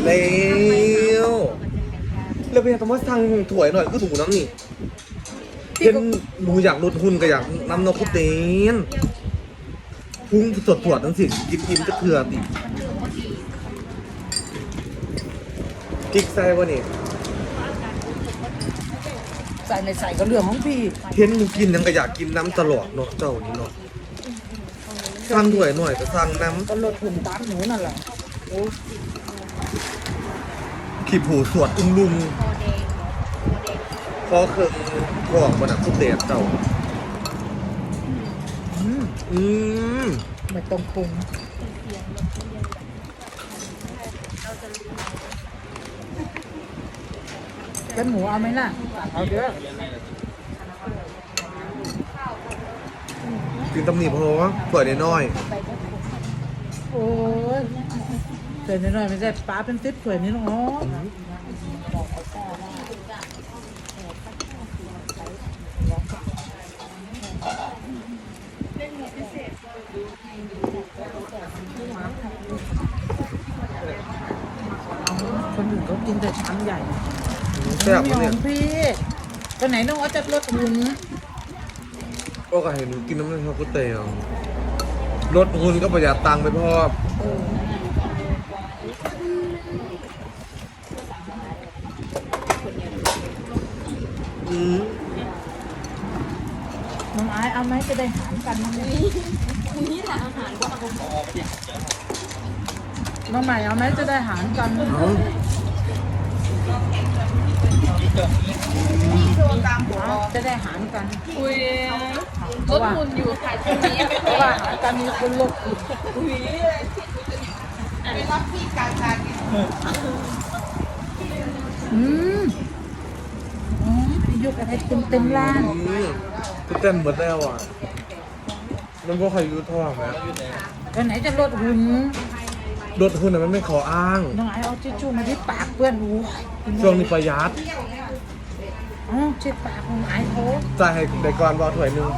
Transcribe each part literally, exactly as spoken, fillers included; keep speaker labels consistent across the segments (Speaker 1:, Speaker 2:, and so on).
Speaker 1: แล้วแล้วเป็นต้องมาสั่งถ้วยหน่อยก็ถูกน้ำนี่เห็นหนูอยากลดหุ่นก็อยากนำนกคุเตนพุ่งสดปวดทั้งสิ้นกินกินก็เถื่อนอีกกิ๊กใส่วะนี่
Speaker 2: ใส่ในใส่ก็เรื่องของพี่
Speaker 1: เห็นหนูกินยังก็อยากกินน้ำตลอดเนาะเจ้านี่เนาะสั่งถ้วยหน่อยก็สั่งน้
Speaker 2: ก็ลดหุ่นตามหนูนั่นแหละโอ้
Speaker 1: ำขีบหูสวดอุ้มลุงพอเครื่องของมันอ่ะคุเตนเจ้า
Speaker 2: อืม
Speaker 1: อืม
Speaker 2: ไม่ต้องปรุงเป็นหมูเอาไหมล่ะเอาเด้อ
Speaker 1: กินตำหนิเพราะว่าถ้วยน้อย
Speaker 2: โอ้ยเกิดนิดหน่อยไม่ใช่ป้าเป็นติ๊บเผื่อนี่น้อง คนอื่นเขากินแต่ชามใหญ่
Speaker 1: ๆแซ่บ
Speaker 2: ไม่
Speaker 1: วะ
Speaker 2: ย
Speaker 1: เนี่
Speaker 2: อย มพี่ตอนไหนน้องเอาจะลดหุ่น
Speaker 1: ก็ก็เห็นหนูกินน้ำมันชาคุเตนลดหุ่นก็ประหยัดตังค์ไปพอ
Speaker 2: เออ
Speaker 1: อืม
Speaker 2: น้องไอซ์เอาไหมจะได้หารกันมั้งเนี่ยน้องใหม่เอาไหมจะได้หารกัน
Speaker 1: เอา
Speaker 2: จะได้หารกัน
Speaker 3: อุ้ยลดหุ่นอยู่ค่ะช่วงนี้
Speaker 2: เพราะว่าหารกันมีคนลดอีก
Speaker 3: อุ้ยไปรับพี่กลางทาง
Speaker 2: อืมอ๋อพี่ยกอะไรเต็มเต็มร้าน
Speaker 1: อืมคุเตนหมดแล้วอ่ะมันก็ใครรู้ท่อไหม
Speaker 2: ตอนไหนจะลดหุ่น
Speaker 1: ลดหุ่นอ่ะมันไม่ขออ้าง
Speaker 2: น้องไอซ์เอาทิชชู่มาที่ปากเพื่อนอู้
Speaker 1: ช่วงนี้ประหยัด
Speaker 2: อ๋อเช็ดปากน้องไอซ์เขา
Speaker 1: จ่ายให้ได้ก่อนบอถ้วยหนึง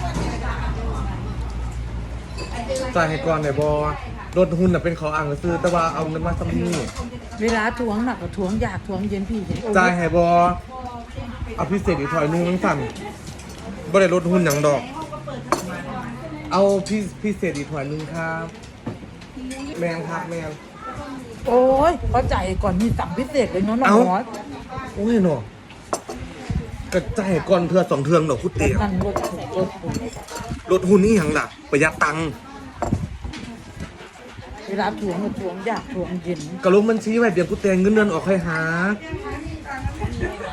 Speaker 1: จ่ายให้ก่อนได้บอลดหุ่นอ่ะเป็นขออ้างก็ซื้อแต่ว่าเอาเงินมาซัมนี่
Speaker 2: เวลาถ่วงหนักกับถ่วงยากถ่วงเย็นพี่เห็นโอ้
Speaker 1: จ่ายให้บอเอาพิเศษอีกถ้วยหนึงทั้งสั่นบ่ได้ลดหุ่นอย่างดอก เอาพิพิเศษอีกถ้วยหนึงครับแมงครับแมง
Speaker 2: โอ้ยเข้าใจก่อนมีสั่งพิเศษเลยเนาะน้อง
Speaker 1: เอ้า
Speaker 2: หมอ
Speaker 1: โอ้ยหนอ กระจายก่อนเทือสองเทืองดอกคุเตีย
Speaker 2: นั่นลดถูกลดถูก
Speaker 1: ลดหุ้นนี่ยังล่ะประหยัดตังค์
Speaker 2: เวลาถ่วงกับถ่วงยากถ่วงเย็น
Speaker 1: กระลงบัญชีไว้เดี๋ยวกูเตียเงินเดือนออกให้หา